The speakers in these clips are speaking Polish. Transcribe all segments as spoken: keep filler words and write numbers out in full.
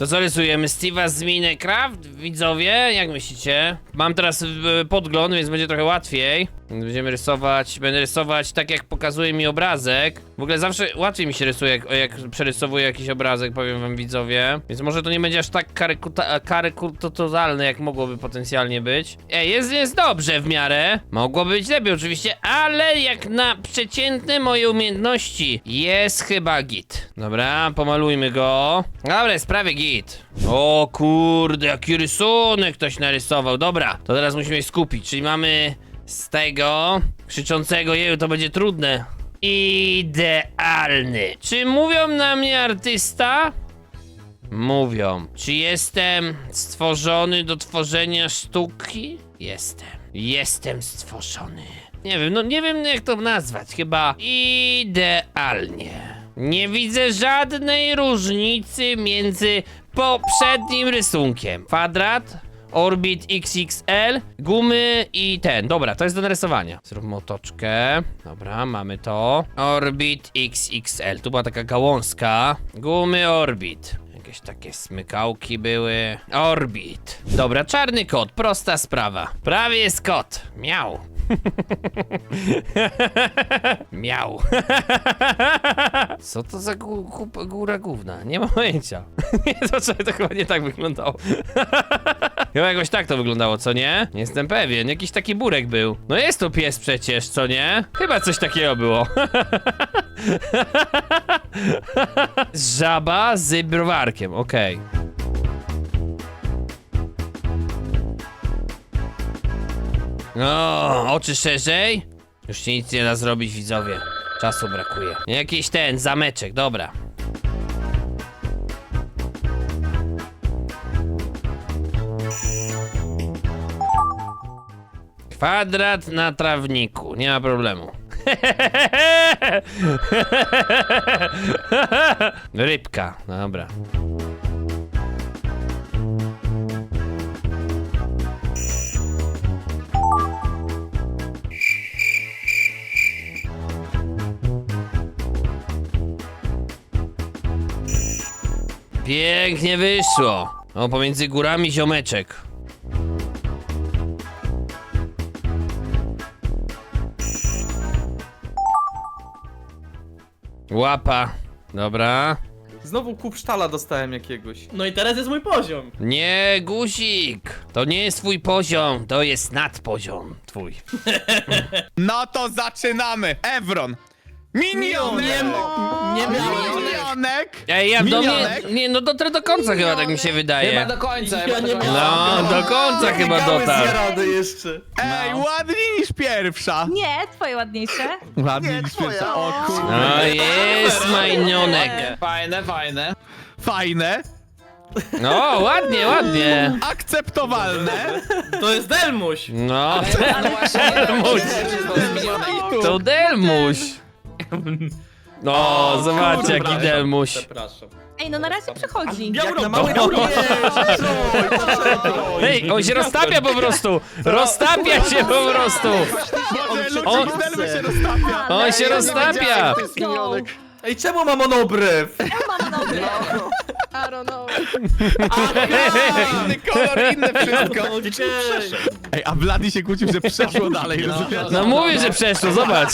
To co rysujemy? Steve'a z Minecraft? Widzowie, jak myślicie? Mam teraz y, podgląd, więc będzie trochę łatwiej. Będziemy rysować, będę rysować tak jak pokazuje mi obrazek. W ogóle zawsze łatwiej mi się rysuje, jak, jak przerysowuję jakiś obrazek, powiem wam widzowie. Więc może to nie będzie aż tak karykaturalne, jak mogłoby potencjalnie być. Ej, jest, jest dobrze w miarę. Mogłoby być lepiej oczywiście, ale jak na przeciętne moje umiejętności jest chyba git. Dobra, pomalujmy go. Dobra, jest prawie git. O kurde, jaki rysunek ktoś narysował. Dobra, to teraz musimy się skupić, czyli mamy... Z tego krzyczącego jeju to będzie trudne. Idealny. Czy mówią na mnie artysta? Mówią. Czy jestem stworzony do tworzenia sztuki? Jestem. Jestem stworzony. Nie wiem, no nie wiem jak to nazwać. Chyba idealnie. Nie widzę żadnej różnicy między poprzednim rysunkiem. Kwadrat. Orbit X X L, gumy i ten. Dobra, to jest do narysowania. Zróbmy otoczkę. Dobra, mamy to. Orbit X X L. Tu była taka gałązka. Gumy Orbit. Jakieś takie smykałki były. Orbit. Dobra, czarny kot. Prosta sprawa. Prawie jest kot. Miał. Miał. Co to za gó gó góra gówna? Nie mam pojęcia. Nie, to, to chyba nie tak wyglądało. Chyba jakoś tak to wyglądało, co nie? Nie jestem pewien, jakiś taki burek był. No jest to pies przecież, co nie? Chyba coś takiego było. Żaba z browarkiem, okej. Okay. O, oczy szerzej? Już się nic nie da zrobić, widzowie. Czasu brakuje. Jakiś ten, zameczek, dobra. Kwadrat na trawniku, nie ma problemu. Rybka, dobra. Pięknie wyszło. O, pomiędzy górami ziomeczek. Łapa. Dobra. Znowu kup sztala dostałem jakiegoś. No i teraz jest mój poziom. Nie, guzik. To nie jest twój poziom, to jest nadpoziom twój. No to zaczynamy. Evron. Minionek. Nie miałem. Minionek. Ej, ja do mnie... Minionek? Nie, no dotrę do końca chyba, tak mi się wydaje. Chyba do końca, Ja chyba do nie końca. No, do końca chyba dotarł. rady jeszcze. Ej, ładniej niż pierwsza. Nie, twoje ładniejsze. Ładniej niż pierwsza. O kurde. No jest majnionek. Fajne, fajne. Fajne. No, ładnie, ładnie. Akceptowalne. To jest Delmuś. No, Ale właśnie nie Delmuś. Delmuś. To Delmuś. No, zobaczcie jaki Delmuś. Przepraszam. Ej, no na razie przechodzi. Jak na małej małej górze. Ej, on się roztapia po prostu. Roztapia się po prostu. Boże, On- Luczek Delmy się roztapia. On się roztapia. Go. Ej, czemu mam monobrew? Mam dobre. I don't know. Inny kolor, inne wszystko. Okej. Ej, a Vladi się kłócił, że przeszło dalej. rozumiesz? No mówię, że przeszło, zobacz.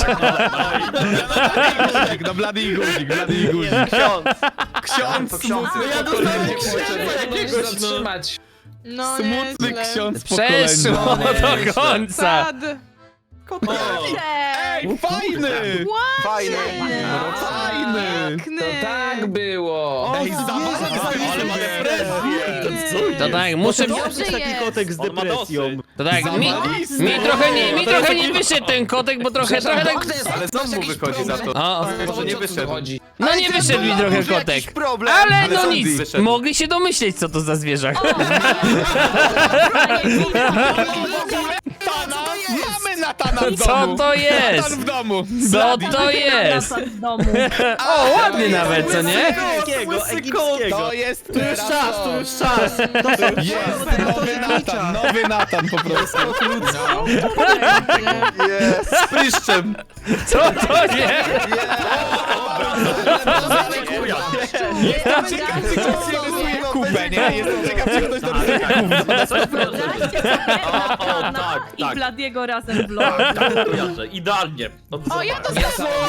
No Vladi i guzik, Vladi i guzik. Ksiądz. Ksiądz smutny Ja pokolenie. dostałem krzyża jakiegoś, no. zatrzymać. No Smutny nieźle. ksiądz Przeszło pokolenia. do końca. Sad. Ej, fajny! Fajny. Fajny! Piękny. To tak było. Ej, zabawka, ale ma To tak, muszę... Dobrze jest. Kotek z depresją. To tak, mi, mi trochę nie, mi trochę nie wyszedł ten kotek, bo trochę, trochę tak... Ale znowu wychodzi za to. O, Może nie wyszedł. no nie wyszedł mi trochę kotek. Ale Ale no zombie nic, wyszedł. mogli się domyśleć co to za zwierzak. Natana! Mamy Natana w Co domu! to jest? Natan w domu! Co to jest? W domu. O, ładny nawet, co nie? To jest Tu już czas, tu już czas. Jest nowy Natan, nowy Natan po prostu. Z pryszczem. Co to jest? Ciekawe, czy ktoś się rysuje kupę, nie? Jestem ciekaw, czy ktoś narysuje gówno. Wyobraźcie sobie Natana tak, i tak. Bladiego razem w LoL. Kojarzę, idealnie. O, ja to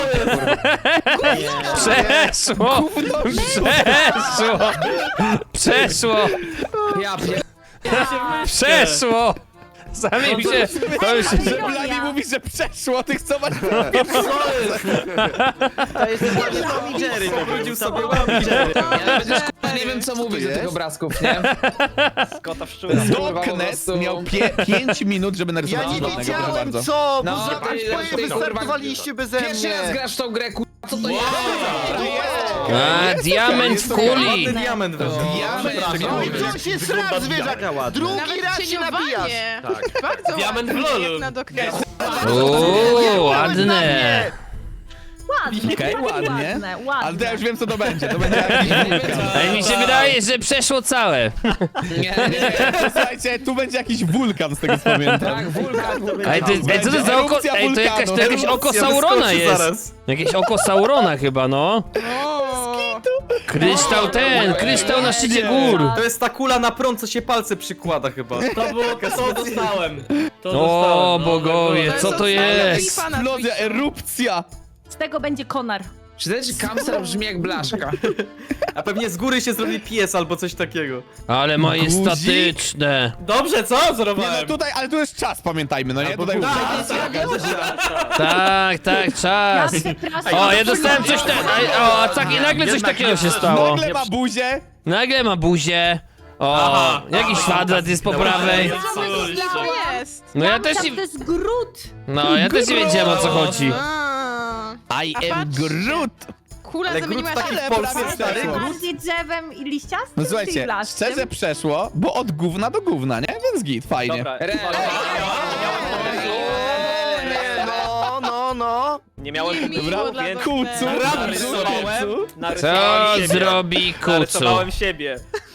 Przeszło! Przeszło! Przeszło! Ja pier... Przeszło! Sami mi się... To już... Że Bladi mówi, że przeszło, tych co masz To jest właśnie Tom i Jerry. Wrócił sobie Ja będziesz k***a, nie wiem co mówić do tych obrazków, nie? Skota w szczurę. Doknes miał pie pięć minut, żeby Ja narysować nie żadnego, proszę wiedziałem bardzo. co, bo No, za ty- twoje ty- wystartowaliście beze Pierwszy raz mnie. grasz w tą grę, k***a, co to jest? A, diament w kuli! Ładny diament wyszedł. No i coś jest raz, zwierzak. Drugi Nawet raz się nabijasz. cieniowanie. Bardzo Diament w ładnie, lolu. jak na Doknesie. Uuu, ładne! Ładne, Okej, tak ładnie. ładne, ładne. Ale to ja już wiem, co to będzie. To będzie jakiś wulkan. Ej, mi się wydaje, że przeszło całe. Nie, nie, Słuchajcie, tu będzie jakiś wulkan z tego, co pamiętam. tak, wulkan. Ej, ty, ej co to za oko... Erupcja Ej, to jakaś, to jakieś Erupcja oko Saurona wyskoczy jest. zaraz. Jakieś oko Saurona chyba, no. Kryształ ten, kryształ na szczycie gór. To jest ta kula na prąd, co się palce przykłada chyba. To było, to dostałem. To O, dostałem, no, bogowie, co to jest? Eksplozja, erupcja. Z tego będzie konar. Czy ten kamser brzmi jak blaszka? A pewnie z góry się zrobi pies albo coś takiego. Ale majestatyczne. Dobrze, co? Nie, no Zrobiłem. tutaj, ale tu jest czas, pamiętajmy, no nie? Tutaj Tak, tak, czas. O, ja dostałem coś ten. O, a tak i nagle coś takiego się stało. nagle ma buzię. Nagle ma buzię. O, jakiś kwadrat jest po prawej. Co jest? No ja też Tam nie... to jest Grut. No, ja też nie wiedziałem o co chodzi. A, I A am patrz. Groot. Kula Ale zamieniła Groot się taki w w Polsce prawie stary. przeszło. Bardziej drzewem i liściastym, No czy słuchajcie, blaszczym? szczerze przeszło, bo od gówna do gówna, nie? Więc git, fajnie. Dobra. Re- No, no, no. Nie miałem Miło pomysłu, dla więc Kucu, narysowałem, Co narysowałem siebie. zrobi kucu? Narysowałem siebie.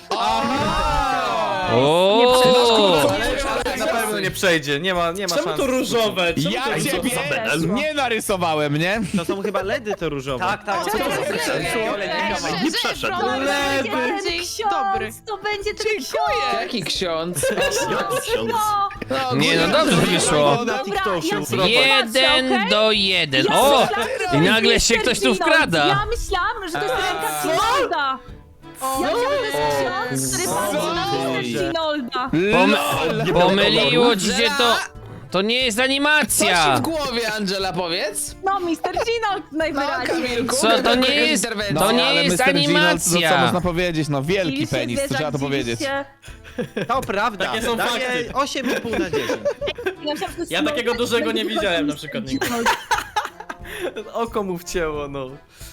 O, Na pewno nie przejdzie, nie ma, nie ma Czemu szans. to różowe? Czemu Ja to różowe? ciebie nie narysowałem, nie? To są chyba ledy te różowe. Tak, tak. Co to jest? Nie przeszedł. To będzie ten Bardziej dobry. ksiądz, to będzie ten ksiądz. Jaki ksiądz? No, nie no dobrze wyszło. dobra, ja się Jeden patrzę, okej? do jeden. Ja O! myślałam, że to I jest nagle się mister ktoś tu Ginald. wkrada. Ja myślałam, że to jest ręka Ginolda. Ja myślałam, że to jest ksiądz, który patrzy na mister Ginolda. Pom pomyliło ci się to... To nie jest Co ci animacja. w głowie, Angela, powiedz? No, mister Ginold No, najwyraźniej. Kamilku, Co, to jaka nie jest- interwencja? to nie ale jest mister Ginold, animacja. To co można powiedzieć, no wielki Dziwiliście, penis, to zwierzak, trzeba to powiedzieć. dziwiliście. To prawda. Takie są Daję fakty. osiem i pół na dziesięć. Ja, myślałam, że to jest Ja Ginold, takiego tak dużego będzie nie tylko widziałem na mister przykład nigdy. Ginold. Oko mu wcięło, no.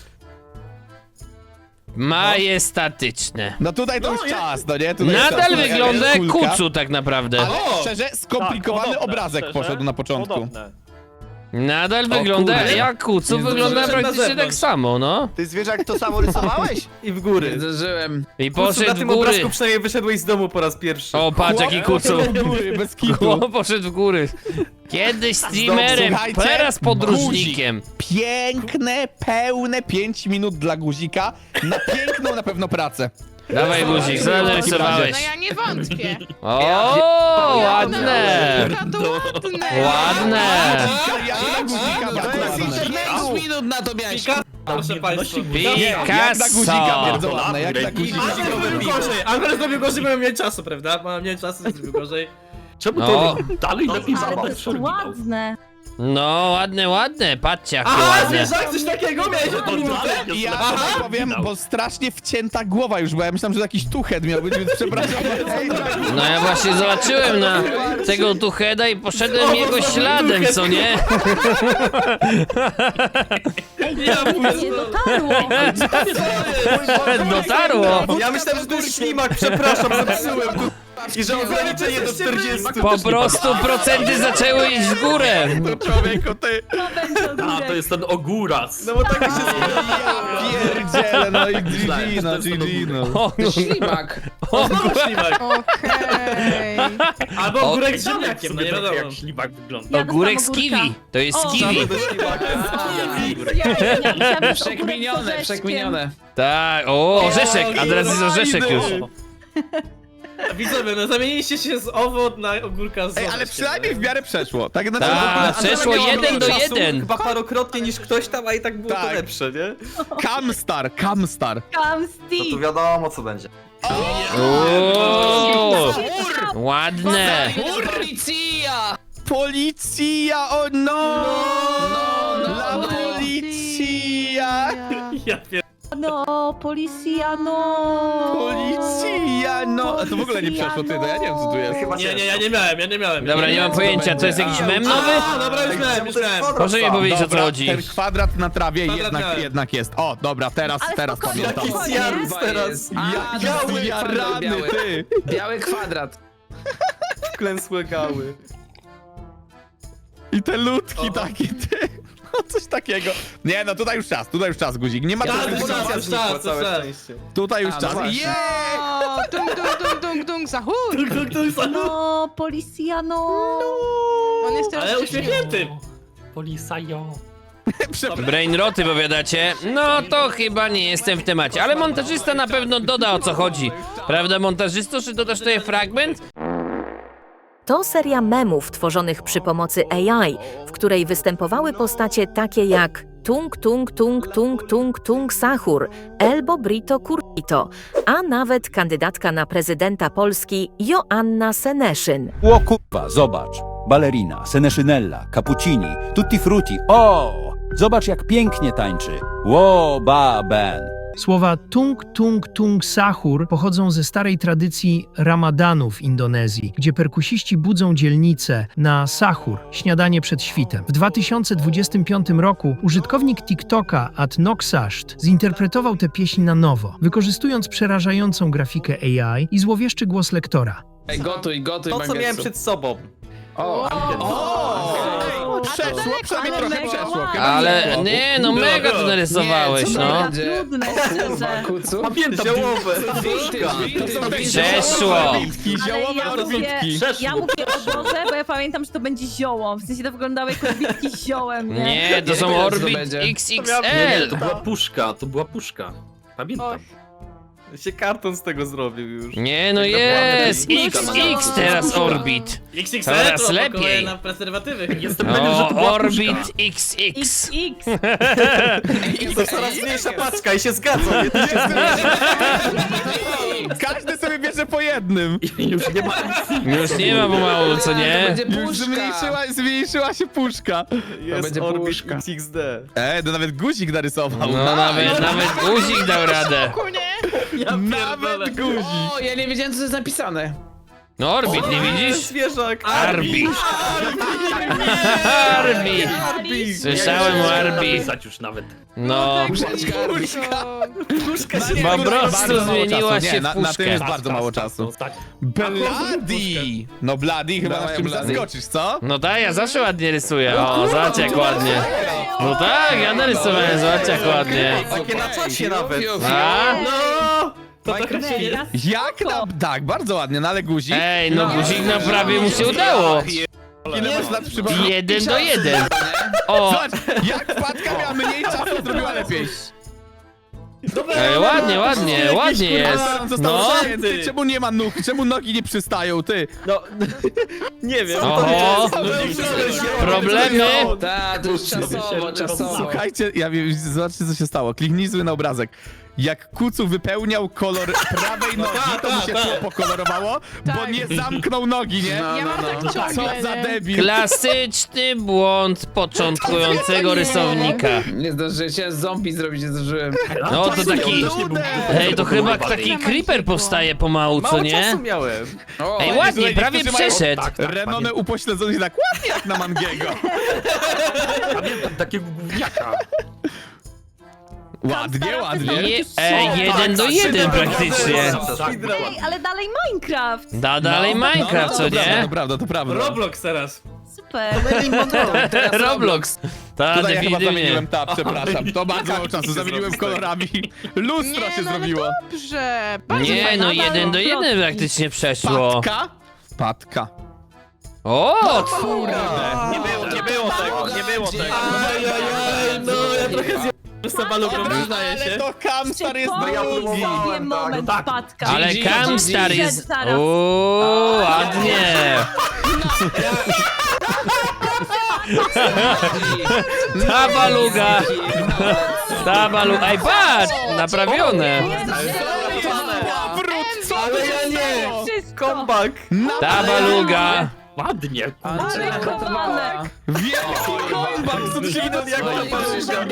Majestatyczne. No tutaj to już czas, no nie? Tutaj Nadal czas, no, wygląda jak kulka. kucu tak naprawdę. Ale O! szczerze, skomplikowany Tak, podobne, obrazek szczerze, poszedł na początku. Podobne. Nadal wygląda kurde. jak kucu, Nie wygląda zdążyłem na praktycznie tak zewnątrz. samo, no. Ty zwierzak to samo rysowałeś? I w Nie góry. zdążyłem. I Kucu, na poszedł w tym góry. obrazku przynajmniej wyszedłeś z domu po raz pierwszy. O, patrz jaki kucu. Do góry, bez kitu. Chłop poszedł w góry. Kiedyś streamerem, Słuchajcie, teraz podróżnikiem. Piękne, pełne pięć minut dla guzika na piękną na pewno pracę. Dawaj guzik, co narysowałeś? No ja nie wątpię. O, ładne. Jaka to ładne. Ładne. Ja na guzika bardzo ładne. pięć minut na to miałeś. Proszę państwa. Jak na guzika Picasso. bardzo ładne, jak na guzika. Angel zrobił gorzej, Angel zrobił gorzej, bo miał mniej czasu, prawda? Mam mniej czasu, zrobił gorzej. Czemu No, Dalej lepiej Ale to jest ładne. no, ładne, ładne. Patrzcie jakie Aha, ładne. zwierzak, coś takiego miałeś o to minutę? I ja tutaj powiem, bo strasznie wcięta głowa już, bo ja myślałem, że jakiś tuchet miał być, więc przepraszam. No ja właśnie zobaczyłem na tego tucheda i poszedłem jego śladem, co nie? Nie dotarło. Dotarło. Ja myślałem, że to jest ślimak, przepraszam, zepsułem. I że ograniczenie do czterdziestu. Po prostu procenty zaczęły iść w górę. Człowieku, ty To będzie ogórek. ten ogóras. No bo tak się pierdziele, no i G G, no G G, no. O, no, Ślimak. o, Ślimak. Okej. Albo O, ogórek z ziemniakiem, no nie wiadomo. Jak ślimak wygląda. Ja ogórek z dostałam kiwi. ogórka. To jest O, kiwi. Ja myślałam, że ogórek z Przekminione, orzeszkiem. przekminione. Tak, o, orzeszek, a teraz jest orzeszek już. Widzowie, no zamieniliście się z owo na ogórka z Ej, ale przynajmniej w miarę przeszło. Tak, znaczy, Tak, Ale przeszło miałam jeden do czasu jeden. Chyba parokrotnie niż ktoś tam, a i tak było Tak. to lepsze, nie? Camstar, Camstar. Come No Steve! to wiadomo co będzie. Uuu, ładne. Policja! Policja, o no! no, La no. policja! Ja pier... No, policja, no! Policja, no! A to w ogóle nie przeszło, ty, no ja nie wiem co tu jest. Chyba Nie, nie, ja nie miałem, ja nie miałem. Dobra, nie miałem. mam pojęcia, to jest jakiś mem nowy? A, dobra, już miałem, już miałem. Proszę mi powiedzieć, o co Dobra, chodzi. ten kwadrat na trawie Kwadrat jednak, miałem. jednak jest. O, dobra, teraz, Ale teraz spokojnie, pamiętam. Jaki spokojnie. zjarł Kurwa teraz. jest. Ja, A, ja, biały ja kwadrat, rany, biały. ty! Biały kwadrat. Wklęsłe gały. I te ludki takie, ty! No coś takiego. Nie, no tutaj już czas, tutaj już czas, guzik. Nie ma Ja, co ale dyskutować. czas, Policja znikła, czas, całe czas. szczęście. Tutaj już A, no czas. właśnie. Yeah! O, dung, dung, dung, dung, dung, zachód! No, policja, no! On jest teraz Ale szczęśliwy. uśmiechnięty. Przepraszam. Brainroty powiadacie? No to chyba nie jestem w temacie, ale montażysta na pewno doda o co chodzi. Prawda montażysto, czy dodasz tutaj fragment? To seria memów tworzonych przy pomocy A I, w której występowały postacie takie jak Tung Tung Tung Tung Tung Tung Sahur, Elbo Brito Kurito, a nawet kandydatka na prezydenta Polski Joanna Seneszyn. O kurwa, zobacz. Ballerina, Seneszynella, Cappuccini, Tutti Frutti. O! Zobacz jak pięknie tańczy. Ło, ba, ben. Słowa tung tung tung sahur pochodzą ze starej tradycji ramadanu w Indonezji, gdzie perkusiści budzą dzielnicę na sahur, śniadanie przed świtem. W dwa tysiące dwudziestym piątym roku użytkownik TikToka Atnoxasht zinterpretował tę pieśń na nowo, wykorzystując przerażającą grafikę A I i złowieszczy głos lektora. Ej, gotuj, gotuj, To co miałem Mangetsu. przed sobą. O, O! Ej, przeszło, przynajmniej trochę mega przeszło. ładnie. chyba Ale przeszło. nie, no mega to narysowałeś, Nie, co no. będzie? Trudne, Kurwa, szczerze. kucu. Pamiętam. Ziołowe. Przeszło. Orbitki, Ale ziołowe ja mówię, orbitki. ja mówię o Boże, bo ja pamiętam, że to będzie zioło. W sensie to wyglądało jak odbitki z ziołem, nie? Nie, to są wiem, co to Orbit będzie. X X Nie, L. to była puszka, to była puszka. Pamiętam. Się karton z tego zrobił już. Nie, no jest! X X teraz Orbit. X X Coraz to lepiej. lepiej. Na prezerwatywy. Jestem O, Orbit X X. X X. To coraz mniejsza paczka i się zgadzam. Nie, to się Każdy sobie bierze po jednym. Już nie ma. Już nie ma pomału, co To nie? będzie Już puszka. zmniejszyła, zmniejszyła się puszka. jest będzie Orbit puszka. X X D. Ej, to nawet guzik narysował. No nawet, nawet guzik dał radę. Ja pierdolę. Nawet guzik. O, ja nie wiedziałem, co to jest napisane. No Orbit, nie widzisz? Zwierzak. Arbi. Arbi. Słyszałem o Arbi. Pisać już nawet. No. Puszeczka. Puszka się Po prostu Bardzo mało zmieniła czasu. się Nie, w na, na tym puszkę. jest bardzo mało czasu. Bloody! No Bloody chyba Dawaj, nas czymś Bloody. zaskoczysz, co? No tak, ja zawsze ładnie rysuję. O, zobacz jak ładnie. No tak, ja narysowałem, zobacz jak ładnie. Takie na czasie nawet. A? No! To trochę Minecraft się Mega Jak na... Tak, bardzo ładnie, no ale guzik. Ej, no guzik no prawie mu się udało. Ile masz lat przypomnieć? Jeden do jeden. O, Zobacz, jak wpadka miała mniej czasu, zrobiła lepiej. ej, ładnie, ładnie, ładnie jest. No. Ty, czemu nie ma nóg? Czemu nogi nie przystają, ty? No, nie wiem. Oho. Problemy. Tak, to już czasowo, czasowo. Słuchajcie, ja wiem, zobaczcie co się stało. Kliknij sobie na obrazek. Jak Kucu wypełniał kolor prawej nogi, to mu się tło pokolorowało, bo Tak. nie zamknął nogi, nie? Ja mam tak Co ciągle, za nie? debil. Klasyczny błąd początkującego rysownika. Nie zdążyłem, chciałem zombie zrobić, nie zdążyłem. No to taki... Ej, to chyba taki creeper powstaje pomału, co Mało nie? czasu miałem. O, Ej, Słuchaj, ładnie, prawie niektórzy mają- przeszedł. Renone upośledzone tak ładnie jak na Mangiego. Pamiętam takiego gówniaka. Ładnie, ładnie. Je, ej, jeden do jeden praktycznie. Ej, ale dalej Minecraft. Da dalej Minecraft, co To prawda, nie? to prawda, to prawda. Roblox teraz. Super. Roblox. Ta, Tutaj ja chyba definitywnie. zamieniłem tab, przepraszam. To bardzo mało czasu, zamieniłem kolorami. Lustro się Nie, no ale zrobiło. dobrze. Bardzo Nie, fajnie. no jeden do jeden praktycznie przeszło. Patka? Patka. O, Nie było, nie było tego, nie było tego. Ajajaj, no ja trochę zje... Sabalugą, przyznaję Ale się. to Kamstar jest Przypomnij drugi. sobie moment tak. wpadka. Ale G G, Kamstar G G. jest... Zaraz. Uuu, ładnie. Ta baluga. Ta baluga. Ej, patrz! Naprawione. Powrót, co Ale ja nie! Wszystko. Comeback! Ta baluga. Ładnie. Ale kowanek. Wielki comeback, co tu się Idol jak wydarzyło? ta baluga.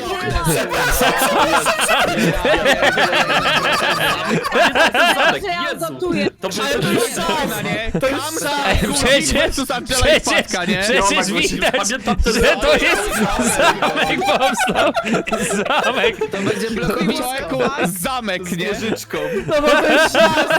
Że ja adoptuję. To był Ale to jest Sana, nie? To jest Sana, Ej, przecież, versus Angela i przecież, Wpadka, nie? przecież widać, że to jest zamek powstał. Zamek. To będzie blokowisko. Człowieku, zamek, nie? Wieżyczką. No bo to jest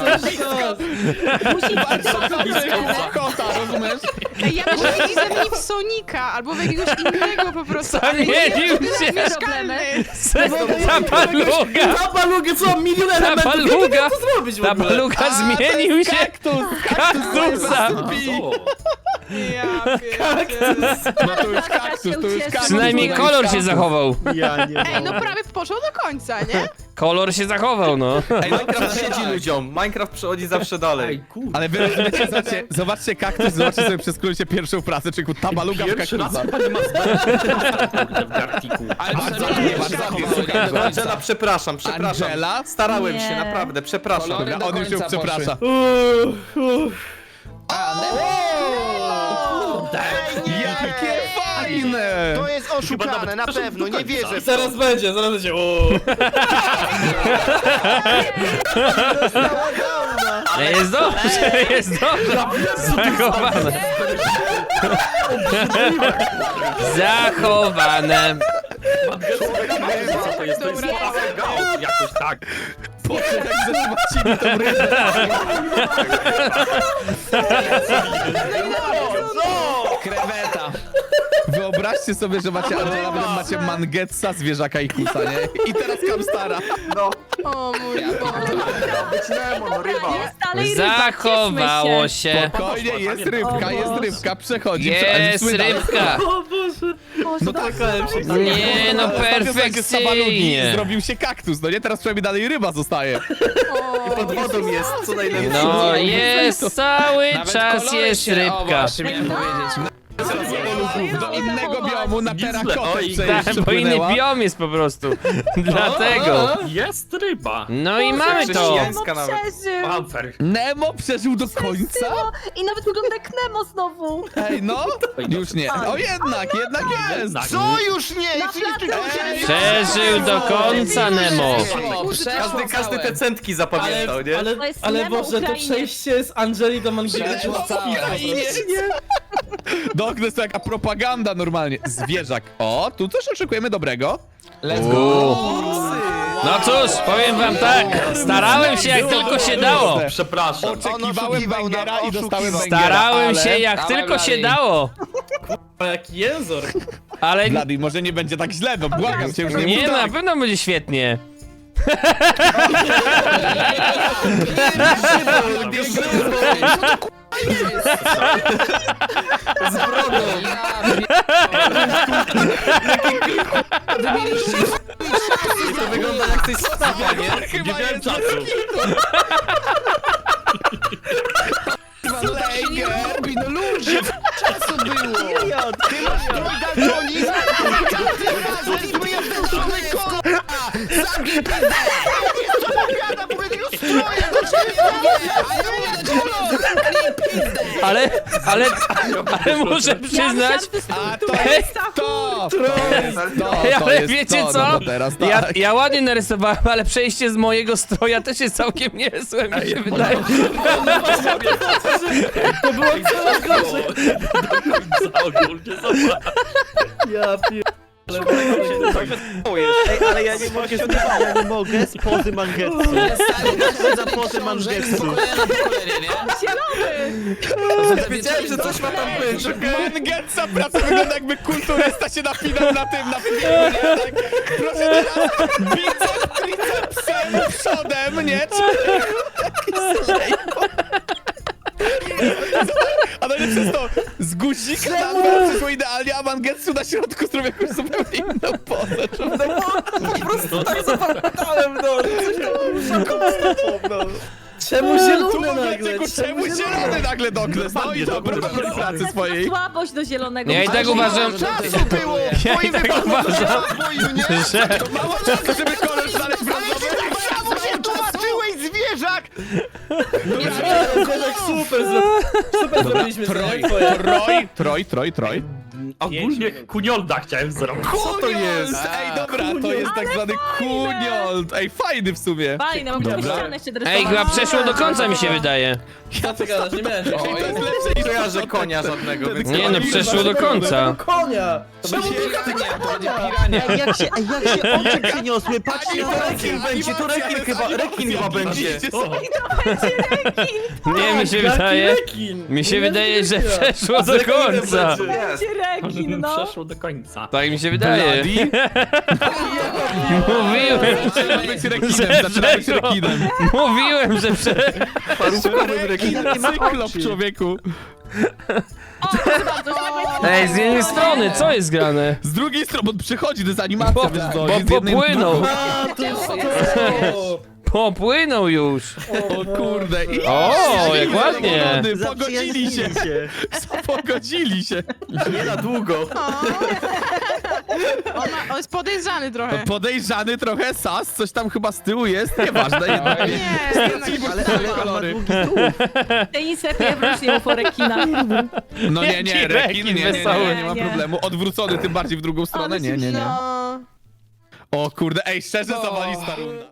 Musi być Kota, rozumiesz? Ej, ja myślę, że zamieni w Sonika, albo w jakiegoś innego po prostu. ale nie, Zamienił to jest się. mieszkalny. Ta baluga. Ta baluga, co? Milion Ta elementów. Jak baluga. to zrobić w Ta ogóle? baluga A, to zmienił jest się. kaktus, Kaktusa. Ja pierdzielę. No to już kaktus, to już kaktus. Przynajmniej to kolor już się zachował. Ja nie Ej, no prawie poszło do końca, nie? Kolor się zachował, no. Ej, Minecraft siedzi ludziom. Minecraft przechodzi zawsze dalej. Ale wy rozumiecie, zobaczcie, zobaczcie kaktus, zobaczcie sobie przez skrócie pierwszą pracę, czyli ta baluga w kaktusa. Ale Bardzo to ładnie, nie bardzo ładnie, jest słuchaj, do końca. Angela, przepraszam, przepraszam. Angela? Starałem się, Nie. naprawdę, przepraszam. Kolory Dobra, on już ją do końca przeprasza. A, Nemo. Jakie fajne! To jest oszukane, na pewno, nie wierzę w to. Zaraz będzie, zaraz będzie. O. Nie, jest dobrze, jest dobrze. Zachowane. Zachowane. To jest, to jest jakoś tak. Po czym jak zatrzymacimy tą rybę? Kreweta. Wyobraźcie sobie, że macie Angela, potem macie Mangetsa, zwierzaka i kusa, nie? I teraz Kamstara. O mój Boże. Jest dalej ryba, Zachowało cieszmy się. Spokojnie, jest rybka, jest rybka, przechodzi. Jest Słynna- rybka. O Boże. No tak, Nie, no perfekcyjnie. Zrobił się kaktus, no nie? Teraz przynajmniej dalej ryba zostaje. Pod wodą jest, co najlepsze. No jest, cały Nawet czas kolory jest się- O, rybka. właśnie miałem powiedzieć. Do innego biomu na terakotę Oj, Tak, przejść bo inny biom jest po prostu. Dlatego. Jest ryba. No i mamy to. Chrześcijańska Nemo nawet. przeżył. Bumper. Nemo przeżył do końca? I nawet wygląda jak Nemo znowu. Ej, no? Już nie. O, jednak, jednak jest. Co już nie? Na Przecież tylko placu. chciałem- Przeżył do końca Nemo. Każdy, każdy te centki zapamiętał, Ale, nie? ale, To jest ale Nemo Boże, to Ukrainiec. przejście z Angeli do Mangiela. Przeszło całe. Dog, to jest to jaka propaganda normalnie. Zwierzak. O, tu coś oczekujemy dobrego. Let's go. Uuu. No cóż, powiem wam tak. Starałem się jak tylko się dało. Przepraszam. Oczekiwałem oszukiwał, Bangera no, i dostałem oszukiwał. Bangera, Starałem ale... się jak Dawaj, tylko się Blady. dało. Jaki jęzor. Ale Blady, może nie będzie tak źle, no błagam cię, już nie, nie, mów no, na tak. pewno będzie świetnie. Z brodą. Wy mieliście To wygląda jak coś stawia, nie? Chyba jest nie robi, no ludzie, czasu było. Idiot, ty masz strój daltonizm? Każdy razem zmyję ten człowiek k***a! Zabij pizdę! Co powiada, mówię tego stroja, do ciebie Ale, ale, ale muszę przyznać, A to jest to! To jest to! Ej, to ale jest wiecie to, co? No to teraz tak. Ja, ja ładnie narysowałem, ale przejście z mojego stroja też jest całkiem niezłe, mi się wydaje. To było coraz gorzej. Ja pier... Ej, ale ja nie mogę, ja nie mogę z pozy Mangetsu. Za pozy Mangetsu. Wiedziałem, że coś ma tam być. Mangetsa praca wygląda jakby kulturysta się napinał na tym, na filmie, nie? Tak, proszę teraz, biceps, tricepsem, przodem, nie? Czy... A najlepsze jest to, z guzika na dole przyszło idealnie, a Mangetsu na środku zrobił jakąś zupełnie inną pozę. Po prostu tak zapamiętałem, no. Coś tam rusza tą no. Czemu Tu zielony nagle? Mangetsu, czemu zielony nagle Dokles? No i dobra, do pracy swojej. Słabość do zielonego. Ja i tak uważam, Czasu było! ja i tak uważam, że... Mało czasu, żeby kolor znaleźć brązowy. Tak samo się tłumaczyłeś, zwierzak! Kozak super, zro- super zrobiliśmy to, Troj, nie? Twoje. troj, troj, troj, troj. Ogólnie kuniolda chciałem zrobić. Co to jest? Ej, dobra, to jest tak zwany kuniold. Ej, fajny w sumie. Fajne, mam Dobra. ścianę jeszcze Ej, chyba przeszło do końca mi się wydaje. Co ty gadasz? Nie miałem Ej, to jest lepsze niż ja, że konia żadnego. Więc Nie no, przeszło do końca. Konia! Czemu to Ej, jak się, ej, jak się oczy przyniosły, patrzcie na rekin będzie, to rekin chyba, rekin chyba będzie. Nie, mi się wydaje... Rekin! Mi się Nie wydaje, że wiem. przeszło do końca. Będzie rekin, no. Przeszło do końca. Tak mi się wydaje. Mówiłem, Zaczyna być rekinem, że zaczyna być przeszło. rekinem. Mówiłem, że prze... Parówkowym rekinem. Cyklop, człowieku. O, proszę bardzo, słabość. Ej, z jednej strony, co jest grane? Z drugiej strony, bo przychodzi, to jest animacja, Bo- więc bo to jest z jednej popłynął. drugą. A, to jest to! Popłynął już. O kurde. I... O, jak ładnie. Zadowolony, Pogodzili się. Pogodzili się. Nie na długo. On, ma, on jest podejrzany trochę. Podejrzany trochę, sas, coś tam chyba z tyłu jest, nieważne jednak. Nie, jednak ale, ale on ma długi tuł. Te insekty wrócił po rekina. No nie, nie, Jaki rekin, rekin nie, nie, nie, wesoły. nie, nie ma Nie. problemu. Odwrócony tym bardziej w drugą stronę, nie, nie, nie. No. O kurde, ej, szczerze zawalista runda.